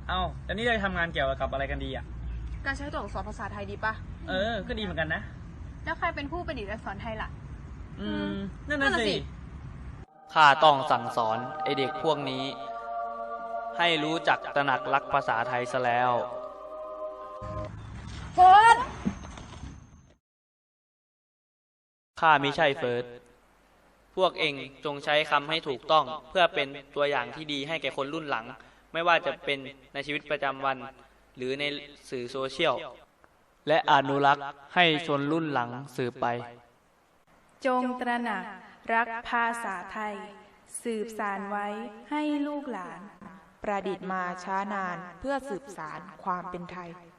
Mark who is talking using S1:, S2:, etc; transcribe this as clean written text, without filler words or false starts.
S1: เอ้าแล้วนี่เราทำงานเกี่ยวกับอะไรกันดีอ่ะ
S2: การใช้ตัวอักษรภาษาไทยดีปะ
S1: ก็ดีเหมือนกันนะ
S2: แล้วใครเป็นผู้ประดิษฐ์อักษรไทยล่ะ
S1: นั่นน่ะสิ
S3: ข้าต้องสั่งสอนไอเด็กพวกนี้ให้รู้จักตระหนักรักภาษาไทยซะแล้ว
S2: เฟิร์ส
S3: ข้ามิใช่เฟิร์สพวกเองจงใช้คำให้ถูกต้องเพื่อเป็นตัวอย่างที่ดีให้แก่คนรุ่นหลังไม่ว่าจะเป็นในชีวิตประจำวันหรือในสื่อโซเชียลและอนุรักษ์ให้ชนรุ่นหลังสืบไป
S4: จงตระหนักรักภาษาไทยสืบสานไว้ให้ลูกหลาน
S5: ประดิษฐ์มาช้านานเพื่อสืบสานความเป็นไทย